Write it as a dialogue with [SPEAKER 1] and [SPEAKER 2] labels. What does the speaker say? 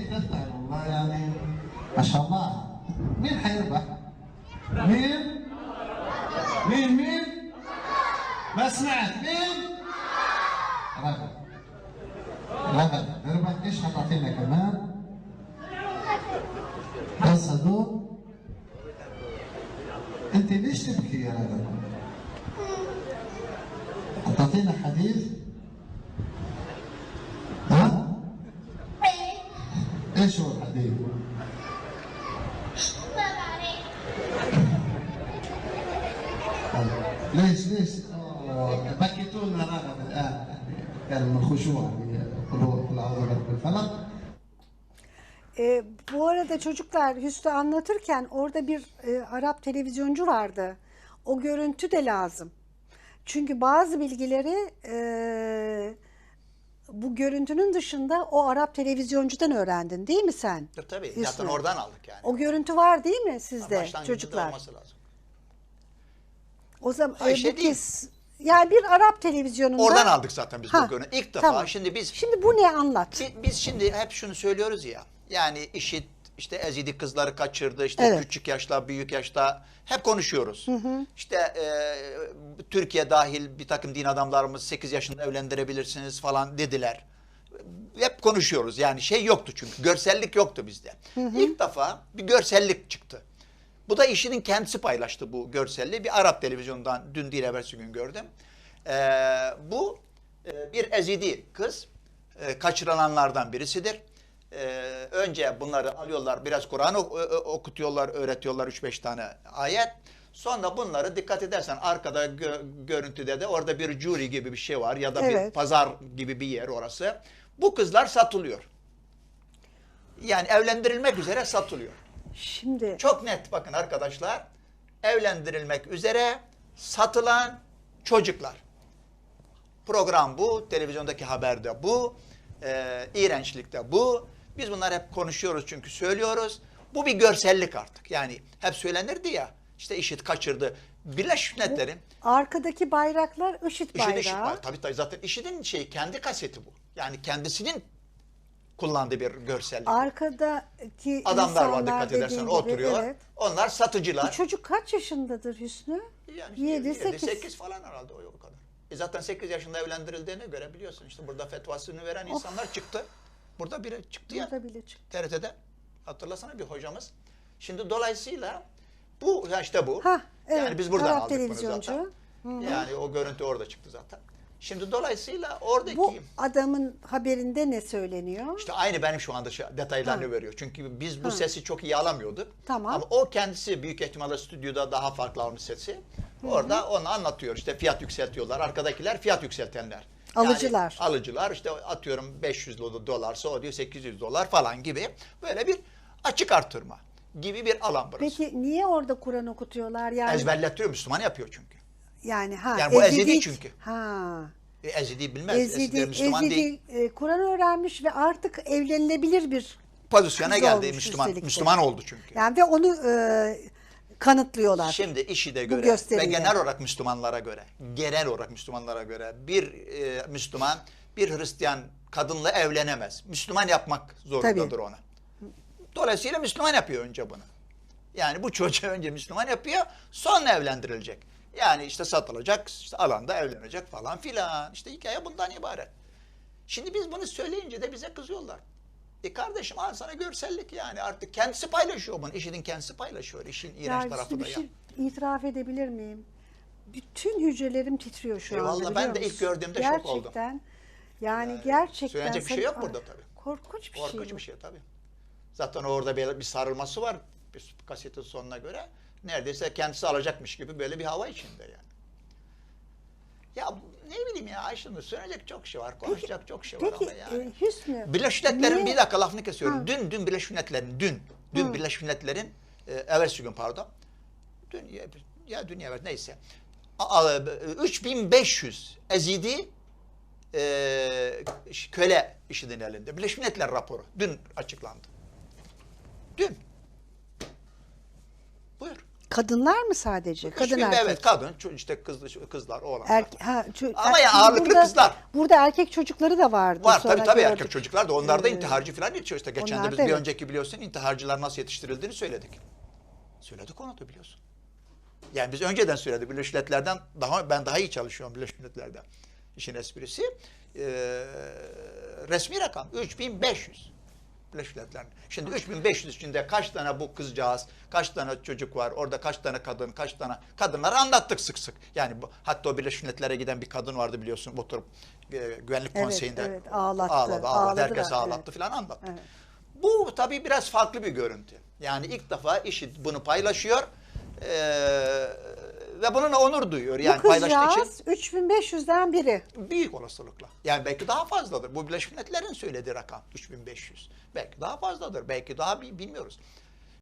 [SPEAKER 1] تفتح والله يعني ما شاء الله. مين حيربح؟ مين؟ مين؟ ما سمعت مين؟ رغد. رغد رغد ايش هتعطينا كمان؟ بس هدول؟ انت ليش تبكي يا رغد؟ هتعطينا حديث؟ ها؟ ايش هو الحديث؟ ليش؟ بكيتونا رغم الان كان من خشوع قل اعوذ برب الفلق.
[SPEAKER 2] Bu arada çocuklar Hüsnü anlatırken orada bir Arap televizyoncu vardı. O görüntü de lazım. Çünkü bazı bilgileri bu görüntünün dışında o Arap televizyoncudan öğrendin değil mi sen?
[SPEAKER 3] Tabii
[SPEAKER 2] Hüsnü?
[SPEAKER 3] zaten oradan aldık yani.
[SPEAKER 2] O görüntü var değil mi sizde
[SPEAKER 3] Başlangıcında
[SPEAKER 2] çocuklar?
[SPEAKER 3] olması lazım.
[SPEAKER 2] O zaman
[SPEAKER 3] Ayşe
[SPEAKER 2] bu
[SPEAKER 3] değil.
[SPEAKER 2] kez yani bir Arap televizyonunda
[SPEAKER 3] Oradan aldık zaten biz
[SPEAKER 2] Ha,
[SPEAKER 3] bu görüntü. İlk defa
[SPEAKER 2] tamam.
[SPEAKER 3] şimdi
[SPEAKER 2] bu ne anlat?
[SPEAKER 3] biz şimdi hep şunu söylüyoruz ya. Yani IŞİD işte Ezidi kızları kaçırdı. İşte
[SPEAKER 2] Evet.
[SPEAKER 3] küçük yaşta, büyük yaşta hep konuşuyoruz. İşte Türkiye dahil bir takım din adamlarımız 8 yaşında evlendirebilirsiniz falan dediler. Hep konuşuyoruz. Yani şey yoktu çünkü. Görsellik yoktu bizde. İlk defa bir görsellik çıktı. Bu da IŞİD'in kendisi paylaştı bu görselliği. Bir Arap televizyondan dün değil evvelsi gün gördüm. Bu bir Ezidi kız. Kaçırılanlardan birisidir. Önce bunları alıyorlar, biraz Kur'an okutuyorlar, öğretiyorlar 3-5 tane ayet. Sonra bunları dikkat edersen arkada görüntüde de orada bir jüri gibi bir şey var ya da
[SPEAKER 2] Evet.
[SPEAKER 3] bir pazar gibi bir yer orası. Bu kızlar satılıyor. Yani evlendirilmek üzere satılıyor.
[SPEAKER 2] Şimdi
[SPEAKER 3] Çok net bakın arkadaşlar. Evlendirilmek üzere satılan çocuklar. Program bu, televizyondaki haber de bu, iğrençlik de bu. Biz bunları hep konuşuyoruz çünkü söylüyoruz. Bu bir görsellik artık. Yani hep söylenirdi ya, işte IŞİD kaçırdı. Birleşmiş Milletler'in
[SPEAKER 2] arkadaki bayraklar IŞİD bayrağı.
[SPEAKER 3] IŞİD tabii zaten IŞİD'in kendi kaseti bu. Yani kendisinin kullandığı bir görsellik.
[SPEAKER 2] Arkadaki
[SPEAKER 3] Adamlar var
[SPEAKER 2] insanlar
[SPEAKER 3] dikkat edersen
[SPEAKER 2] dediğin gibi,
[SPEAKER 3] oturuyor.
[SPEAKER 2] evet.
[SPEAKER 3] Onlar satıcılar.
[SPEAKER 2] Bu çocuk kaç yaşındadır Hüsnü?
[SPEAKER 3] Yani
[SPEAKER 2] 7-8.
[SPEAKER 3] 8 falan herhalde o kadar. Zaten 8 yaşında evlendirildiğine göre biliyorsun işte burada fetvasını veren insanlar çıktı. Burada biri çıktı ya.
[SPEAKER 2] Burada bile çıktı.
[SPEAKER 3] TRT'de. Hatırlasana bir hocamız. Şimdi dolayısıyla bu işte bu.
[SPEAKER 2] Ha, evet.
[SPEAKER 3] Yani biz buradan
[SPEAKER 2] Arap
[SPEAKER 3] aldık bunu
[SPEAKER 2] televizyoncu.
[SPEAKER 3] zaten. Yani o görüntü orada çıktı zaten. Şimdi dolayısıyla oradaki
[SPEAKER 2] Bu adamın haberinde ne söyleniyor?
[SPEAKER 3] işte aynı benim şu anda detaylarını veriyor. Çünkü biz bu sesi çok iyi alamıyorduk.
[SPEAKER 2] Tamam.
[SPEAKER 3] Ama o kendisi büyük ihtimalle stüdyoda daha farklı almış sesi. Orada onu anlatıyor. İşte fiyat yükseltiyorlar. Arkadakiler fiyat yükseltenler.
[SPEAKER 2] Alıcılar.
[SPEAKER 3] Yani alıcılar işte atıyorum 500 dolarsa o diyor 800 dolar falan gibi. Böyle bir açık artırma gibi bir alan burası.
[SPEAKER 2] Peki niye orada Kur'an okutuyorlar? Yani
[SPEAKER 3] Ezberletiyor, Müslüman yapıyor çünkü.
[SPEAKER 2] yani
[SPEAKER 3] Yani bu Ezidi çünkü.
[SPEAKER 2] Ha.
[SPEAKER 3] Ezidi bilmez. Ezidi Müslüman
[SPEAKER 2] Ezidi,
[SPEAKER 3] değil.
[SPEAKER 2] Kur'an öğrenmiş ve artık evlenilebilir bir
[SPEAKER 3] Pozisyona
[SPEAKER 2] kız
[SPEAKER 3] geldi.
[SPEAKER 2] olmuş
[SPEAKER 3] Müslüman.
[SPEAKER 2] üstelik de.
[SPEAKER 3] Müslüman oldu çünkü.
[SPEAKER 2] Yani ve onu kanıtlıyorlar.
[SPEAKER 3] Şimdi IŞİD'e
[SPEAKER 2] Bu
[SPEAKER 3] göre ve
[SPEAKER 2] gösteriyle.
[SPEAKER 3] genel olarak Müslümanlara göre bir Müslüman bir Hristiyan kadınla evlenemez. Müslüman yapmak zorundadır
[SPEAKER 2] Tabii.
[SPEAKER 3] ona. Dolayısıyla Müslüman yapıyor önce bunu. Yani bu çocuğu önce Müslüman yapıyor, sonra evlendirilecek. Yani işte satılacak, işte alanda evlenecek falan filan. İşte hikaye bundan ibaret. Şimdi biz bunu söyleyince de bize kızıyorlar. Kardeşim al sana görsellik yani artık kendisi paylaşıyor bunu. IŞİD'in kendisi paylaşıyor. İşin iğrenç tarafı da
[SPEAKER 2] bir
[SPEAKER 3] ya.
[SPEAKER 2] şey itiraf edebilir miyim? Bütün hücrelerim titriyor şu anda.
[SPEAKER 3] Vallahi ben de
[SPEAKER 2] biliyor
[SPEAKER 3] ilk
[SPEAKER 2] musun?
[SPEAKER 3] gördüğümde şok oldum.
[SPEAKER 2] Gerçekten. Yani gerçekten.
[SPEAKER 3] Söylenecek bir şey yok burada tabii.
[SPEAKER 2] Korkunç bir şey.
[SPEAKER 3] Korkunç
[SPEAKER 2] bu.
[SPEAKER 3] bir şey tabii. Zaten orada bir sarılması var bir kasetin sonuna göre. Neredeyse kendisi alacakmış gibi böyle bir hava içinde yani. Ya ne bileyim ya Ayşenur söyleyecek çok şey var, konuşacak çok şey var
[SPEAKER 2] Peki
[SPEAKER 3] ama yani.
[SPEAKER 2] Hüsnü.
[SPEAKER 3] Birleşmiş Milletler'in
[SPEAKER 2] niye-
[SPEAKER 3] bir dakika lafını kesiyorum.
[SPEAKER 2] Ha.
[SPEAKER 3] Dün Birleşmiş Milletler'in dün Birleşmiş Milletler'in evvelsi gün pardon. Dün evet neyse. 3500 Ezidi köle IŞİD'in elinde. Birleşmiş Milletler raporu dün açıklandı. Dün. Buyur.
[SPEAKER 2] Kadınlar mı sadece? Kadın
[SPEAKER 3] 3000,
[SPEAKER 2] erkek.
[SPEAKER 3] evet, kadın, işte kızlar, oğlanlar. Ama ya ağırlıklı
[SPEAKER 2] burada,
[SPEAKER 3] kızlar.
[SPEAKER 2] Burada erkek çocukları da vardı.
[SPEAKER 3] Var
[SPEAKER 2] sonra
[SPEAKER 3] tabii
[SPEAKER 2] gördük.
[SPEAKER 3] erkek çocuklar da, onlar da intiharcı falan yetişiyor. İşte geçen
[SPEAKER 2] onlar
[SPEAKER 3] de biz
[SPEAKER 2] da
[SPEAKER 3] bir
[SPEAKER 2] evet.
[SPEAKER 3] önceki biliyorsun intiharcılar nasıl yetiştirildiğini söyledik. Söyledik onu da biliyorsun. Yani biz önceden söyledik. Birleşmiş Milletler'den ben daha iyi çalışıyorum Birleşmiş Milletler'den. İşin esprisi. Resmi rakam 3500. Birleşmiş Milletler'in. Şimdi 3500 içinde kaç tane bu kızcağız, kaç tane çocuk var, orada kaç tane kadın, kaç tane kadınları anlattık sık sık. Yani hatta o Birleşmiş Milletler'e giden bir kadın vardı biliyorsun, oturup Güvenlik Konseyi'nde
[SPEAKER 2] evet, ağlattı.
[SPEAKER 3] ağladı, herkes
[SPEAKER 2] da,
[SPEAKER 3] ağlattı
[SPEAKER 2] evet.
[SPEAKER 3] falan anlattı.
[SPEAKER 2] Evet.
[SPEAKER 3] Bu tabii biraz farklı bir görüntü. Yani ilk defa IŞİD bunu paylaşıyor ve bununla onur duyuyor. Yani
[SPEAKER 2] Bu
[SPEAKER 3] paylaştığı için
[SPEAKER 2] kızcağız 3500'den biri.
[SPEAKER 3] büyük olasılıkla. Yani belki daha fazladır. Bu Birleşmiş Milletler'in söylediği rakam 3500. Belki daha fazladır. Belki daha bilmiyoruz.